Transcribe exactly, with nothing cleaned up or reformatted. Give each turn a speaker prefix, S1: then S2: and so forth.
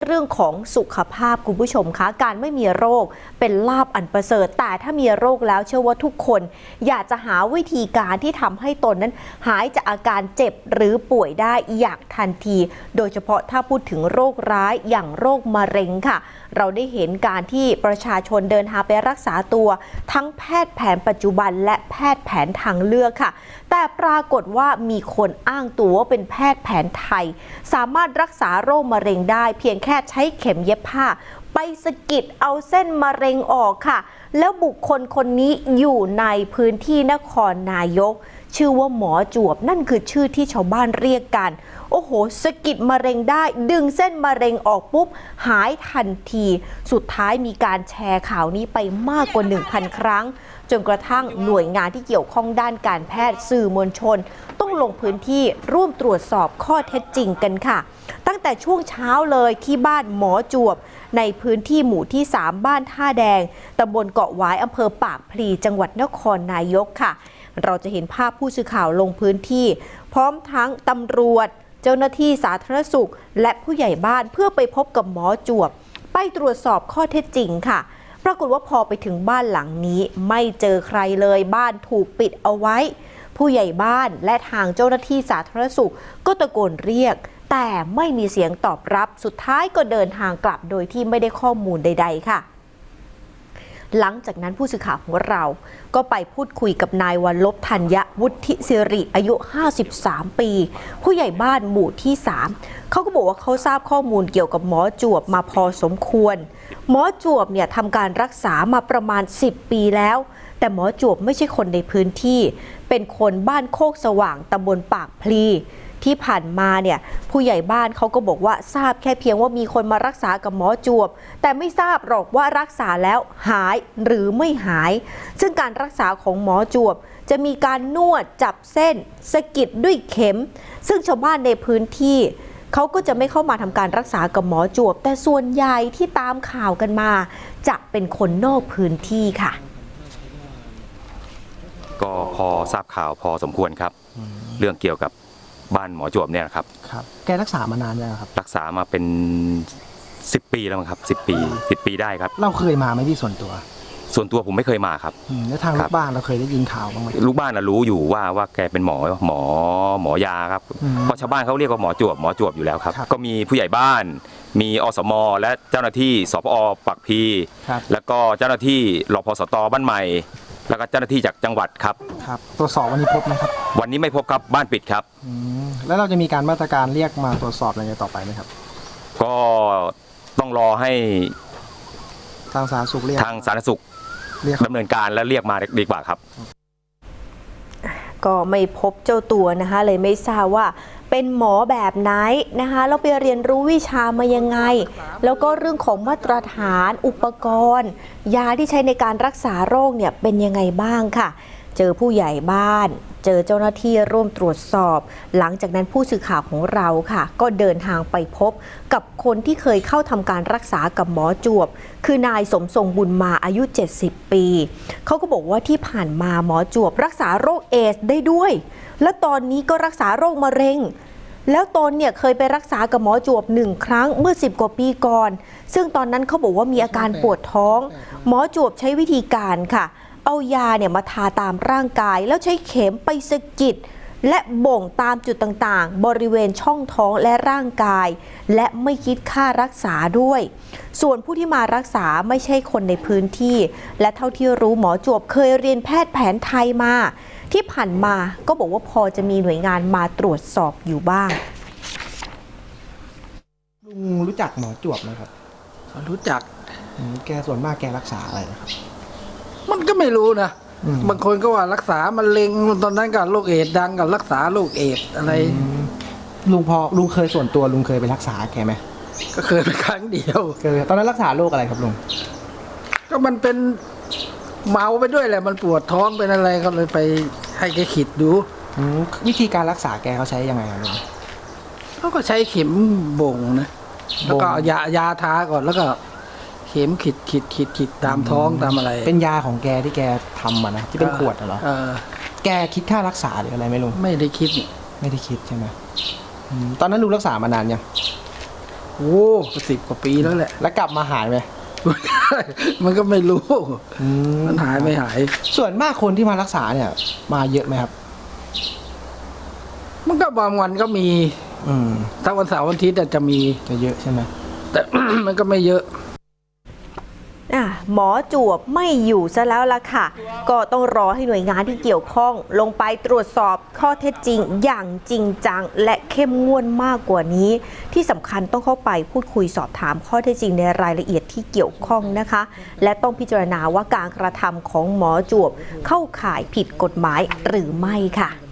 S1: เรื่องของสุขภาพคุณผู้ชมคะการไม่มีโรคเป็นลาภอันประเสริฐแต่ถ้ามีโรคแล้วเชื่อว่าทุกคนอยากจะหาวิธีการที่ทำให้ตนนั้นหายจากอาการเจ็บหรือป่วยได้อย่างทันทีโดยเฉพาะถ้าพูดถึงโรคร้ายอย่างโรคมะเร็งค่ะเราได้เห็นการที่ประชาชนเดินทางไปรักษาตัวทั้งแพทย์แผนปัจจุบันและแพทย์แผนทางเลือกค่ะแต่ปรากฏว่ามีคนอ้างตัวว่าเป็นแพทย์แผนไทยสามารถรักษาโรคมะเร็งได้เพียงแค่ใช้เข็มเย็บผ้าไปสะกิดเอาเส้นมะเร็งออกค่ะแล้วบุคคลคนนี้อยู่ในพื้นที่นครนายกชื่อว่าหมอจวบนั่นคือชื่อที่ชาวบ้านเรียกกันโอ้โหสะกิดมะเร็งได้ดึงเส้นมะเร็งออกปุ๊บหายทันทีสุดท้ายมีการแชร์ข่าวนี้ไปมากกว่า หนึ่งพัน ครั้งจนกระทั่งหน่วยงานที่เกี่ยวข้องด้านการแพทย์สื่อมวลชนต้องลงพื้นที่ร่วมตรวจสอบข้อเท็จจริงกันค่ะตั้งแต่ช่วงเช้าเลยที่บ้านหมอจวบในพื้นที่หมู่ที่สามบ้านท่าแดงตำบลเกาะหวายอำเภอปากพลีจังหวัดนครนายกค่ะเราจะเห็นภาพผู้สื่อข่าวลงพื้นที่พร้อมทั้งตำรวจเจ้าหน้าที่สาธารณสุขและผู้ใหญ่บ้านเพื่อไปพบกับหมอจวบไปตรวจสอบข้อเท็จจริงค่ะปรากฏว่าพอไปถึงบ้านหลังนี้ไม่เจอใครเลยบ้านถูกปิดเอาไว้ผู้ใหญ่บ้านและทางเจ้าหน้าที่สาธารณสุขก็ตะโกนเรียกแต่ไม่มีเสียงตอบรับสุดท้ายก็เดินทางกลับโดยที่ไม่ได้ข้อมูลใดๆค่ะหลังจากนั้นผู้สื่อข่าวของเราก็ไปพูดคุยกับนายวันลบธัญวุฒิสิริอายุห้าสิบสามปีผู้ใหญ่บ้านหมู่ที่สามเขาก็บอกว่าเขาทราบข้อมูลเกี่ยวกับหมอจวบมาพอสมควรหมอจวบเนี่ยทำการรักษามาประมาณสิบปีแล้วแต่หมอจวบไม่ใช่คนในพื้นที่เป็นคนบ้านโคกสว่างตำบลปากพลีที่ผ่านมาเนี่ยผู้ใหญ่บ้านเขาก็บอกว่าทราบแค่เพียงว่ามีคนมารักษากับหมอจวบแต่ไม่ทราบหรอกว่ารักษาแล้วหายหรือไม่หายซึ่งการรักษาของหมอจวบจะมีการนวดจับเส้นสะกิดด้วยเข็มซึ่งชาวบ้านในพื้นที่เขาก็จะไม่เข้ามาทำการรักษากับหมอจวบแต่ส่วนใหญ่ที่ตามข่าวกันมาจะเป็นคนนอกพื้นที่ค่ะ
S2: ก็พอทราบข่าวพอสมควรครับเรื่องเกี่ยวกับบ้านหมอจวบเนี่ยครับ
S3: ครับแกรักษามานานยังครับ
S2: รักษามาเป็นสิบปีแล้วมั้งครับสิบปีสิบปีได้ครับ
S3: เราเคยมาไหมพี่ส่วนตัว
S2: ส่วนตัวผมไม่เคยมาครับ
S3: แล้วทางลูกบ้านเราเคยได้ยินข่าวบ้างไหม
S2: ลูกบ้านรู้อยู่ว่าว่าแกเป็นหมอหมอหมอยาครับเพราะชาวบ้านเขาเรียกว่าหมอจวบหมอจวบอยู่แล้วครับก็มีผู้ใหญ่บ้านมีอสมและเจ้าหน้าที่สปอปักพีแล้วก็เจ้าหน้าที่รพสตบ้านใหม่แล้วก็เจ้าหน้าที่จากจังหวัดครับ
S3: ครับตรวจสอบวันนี้พบไหมครับ
S2: วันนี้ไม่พบครับบ้านปิดครับ
S3: แล้วเราจะมีการมาตรการเรียกมาตรวจสอบอะไรต่อไปไหมครับ
S2: ก็ต้องรอให้
S3: ทางสาธารณสุขเรียก
S2: ทางสาธารณสุขดำเนินการและเรียกมาดีกว่าครับ
S1: ก็ไม่พบเจ้าตัวนะคะเลยไม่ทราบว่าเป็นหมอแบบไหนนะคะแล้วไปเรียนรู้วิชามายังไงแล้วก็เรื่องของมาตรฐานอุปกรณ์ยาที่ใช้ในการรักษาโรคเนี่ยเป็นยังไงบ้างค่ะเจอผู้ใหญ่บ้านเจอเจ้าหน้าที่ร่วมตรวจสอบหลังจากนั้นผู้สื่อข่าวของเราค่ะก็เดินทางไปพบกับคนที่เคยเข้าทำการรักษากับหมอจวบคือนายสมทรงบุญมาอายุเจ็ดสิบปีเขาก็บอกว่าที่ผ่านมาหมอจวบรักษาโรคเอดส์ได้ด้วยและตอนนี้ก็รักษาโรคมะเร็งแล้วตนเนี่ยเคยไปรักษากับหมอจวบหนึ่งครั้งเมื่อสิบกว่าปีก่อนซึ่งตอนนั้นเขาบอกว่ามีอาการปวดท้องหมอจวบใช้วิธีการค่ะเอายาเนี่ยมาทาตามร่างกายแล้วใช้เข็มไปสะกิดและบ่งตามจุดต่างๆบริเวณช่องท้องและร่างกายและไม่คิดค่ารักษาด้วยส่วนผู้ที่มารักษาไม่ใช่คนในพื้นที่และเท่าที่รู้หมอจวบเคยเรียนแพทย์แผนไทยมาที่ผ่านมาก็บอกว่าพอจะมีหน่วยงานมาตรวจสอบอยู่บ้าง
S3: ลุงรู้จักหมอจวบไหมครับ
S4: รู้จัก
S3: แกส่วนมากแกรักษาอะไรครับ
S4: มันก็ไม่รู้นะบางคนก็ว่ารักษามะเร็งตอนนั้นก็โรคเอดส์ดังกับรักษาโรคเอดส์อะไร
S3: ลุงพอลุงเคยส่วนตัวลุงเคยไปรักษาแกไหม
S4: ก็เคยไปครั้งเดียว
S3: เคยตอนนั้นรักษาโรคอะไรครับลุง
S4: ก็มันเป็นเมาไปด้วยแหละมันปวดท้องเป็นอะไรก็เลยไปให้แกขีดดู
S3: วิธีการรักษาแกเขาใช้ยังไงครับลุง
S4: เขาก็ใช้เข็มบ่งนะแล้วก็ยายาทาก่อนแล้วก็เข็มขีดขีดขีดขีดตามท้องตามอะไร
S3: เป็นยาของแกที่แกทำมานะที่เป็นขวดเหรอแกคิดค่ารักษาหรืออะไรไหมลุง
S4: ไม่ได้คิด
S3: ไม่ได้คิดใช่ไหมตอนนั้นลุงรักษามานานยัง
S4: โอ้สิบกว่าปีแล้วแหละ
S3: แล้วกลับมาหายไหม
S4: มันก็ไม่รู้
S3: อื
S4: มันหายไม่หาย
S3: ส่วนมากคนที่มารักษาเนี่ย มาเยอะไหมครับ
S4: มันก็บางวันก็มี
S3: อืม
S4: ถ้าวันเสาร์วันอาทิตย์อาจจะมี
S3: จะเยอะใช่ไหม
S4: แต่ มันก็ไม่เยอะ
S1: อ่ะหมอจวบไม่อยู่ซะแล้วล่ะค่ะ ก็ต้องรอให้หน่วยงานที่เกี่ยวข้องลงไปตรวจสอบข้อเท็จจริงอย่างจริงจังและเข้มงวดมากกว่านี้ ที่สำคัญต้องเข้าไปพูดคุยสอบถามข้อเท็จจริงในรายละเอียดที่เกี่ยวข้องนะคะ และต้องพิจารณาว่าการกระทำของหมอจวบเข้าข่ายผิดกฎหมายหรือไม่ค่ะ